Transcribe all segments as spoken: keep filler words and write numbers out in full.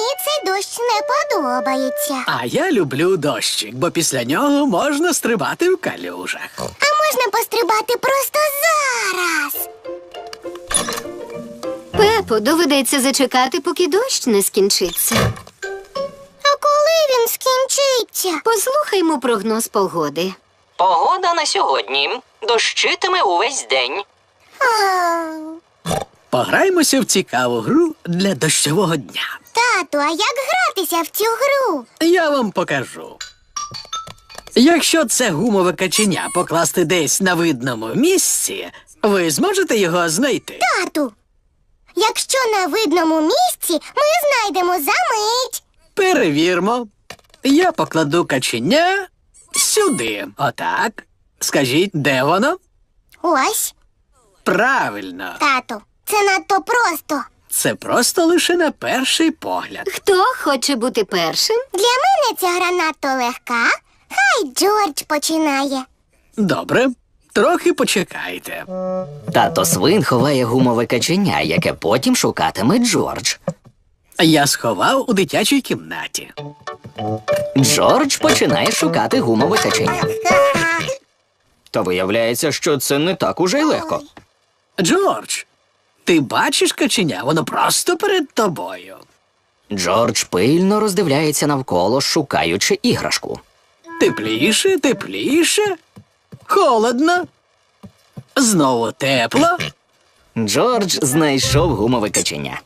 цей дощ не подобається. А я люблю дощик, бо після нього можна стрибати в калюжах. А можна пострибати просто зараз. Пепо, доведеться зачекати, поки дощ не скінчиться. А коли він скінчиться? Послухаймо прогноз погоди. Погода на сьогодні. Дощитиме увесь день. А, Пограймося в цікаву гру для дощового дня. тату, а як гратися в цю гру? Я вам покажу. Якщо це гумове каченя покласти десь на видному місці, ви зможете його знайти. Тату, якщо на видному місці, ми знайдемо за мить. Перевірмо. Я покладу каченя сюди. Отак. Скажіть, де воно? Ось, Правильно. тату, це надто просто. Це просто лише на перший погляд. Хто хоче бути першим? Для мене ця гра надто легка. Хай Джордж починає. Добре, трохи почекайте. Тато свин ховає гумове каченя, яке потім шукатиме Джордж. Я сховав у дитячій кімнаті. Джордж починає шукати гумове каченя. Та виявляється, що це не так уже й легко. Джордж, ти бачиш каченя? Воно просто перед тобою. Джордж пильно роздивляється навколо, шукаючи іграшку. Тепліше, тепліше. Холодно. Знову тепло. Джордж знайшов гумове каченя.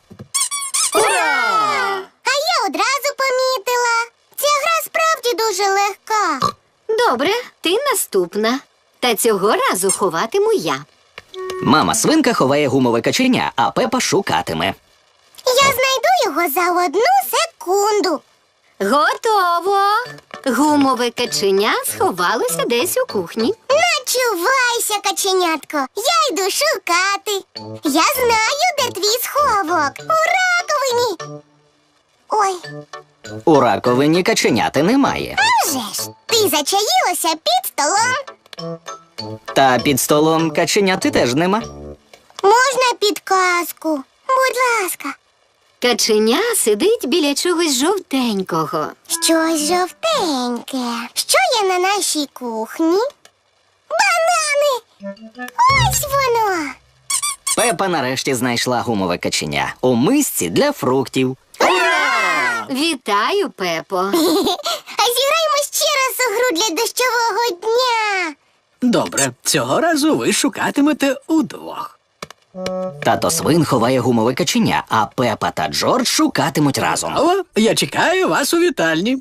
А я одразу помітила. Ця гра справді дуже легка. Добре, ти наступна. Та цього разу ховатиму я. Мама свинка ховає гумове каченя, а Пепа шукатиме. Я знайду його за одну секунду. Готово! Гумове каченя сховалося десь у кухні. Начувайся, каченятко. Я йду шукати. Я знаю, де твій сховок. У раковині. Ой, У раковині каченяти немає. а вже ж, ти зачаїлася під столом. Та під столом каченяти теж нема. Можна підказку? Будь ласка. Каченя сидить біля чогось жовтенького. Щось жовтеньке. Що є на нашій кухні? Банани! Ось воно! Пепа нарешті знайшла гумове каченя у мисці для фруктів. Вітаю, Пепо. А зіграємо ще раз у гру для дощового дня. Добре, цього разу ви шукатимете удвох. Тато свин ховає гумове каченя, а Пепа та Джордж шукатимуть разом. О, я чекаю вас у вітальні.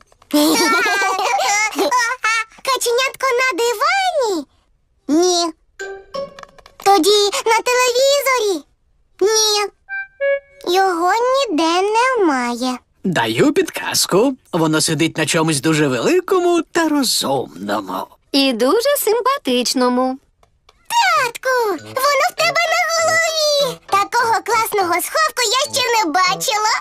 Каченятко на дивані? Ні. Тоді на телевізорі? Ні. Його ніде немає. Даю підказку. Воно сидить на чомусь дуже великому та розумному. І дуже симпатичному. Татку, воно в тебе на голові. Такого класного сховку я ще не бачила.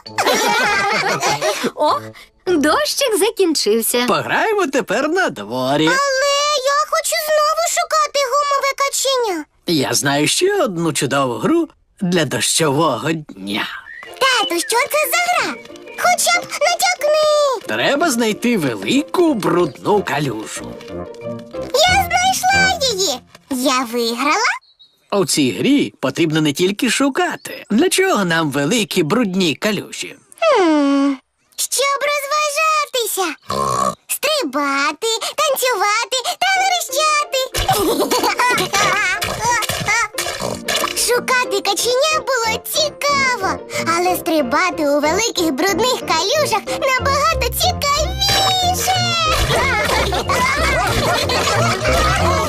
О, дощик закінчився. Пограємо тепер на дворі. Але я хочу знову шукати гумове каченя. Я знаю ще одну чудову гру для дощового дня. Тату, що це за гра? Хоча б натякни. Треба знайти велику брудну калюжу. Я знайшла її. Я виграла. У цій грі потрібно не тільки шукати. Для чого нам великі брудні калюжі? Хм, щоб розважатися. Стрибати, танцювати та верещати. Шукати каченя було цікаво, але стрибати у великих брудних калюжах набагато цікавіше.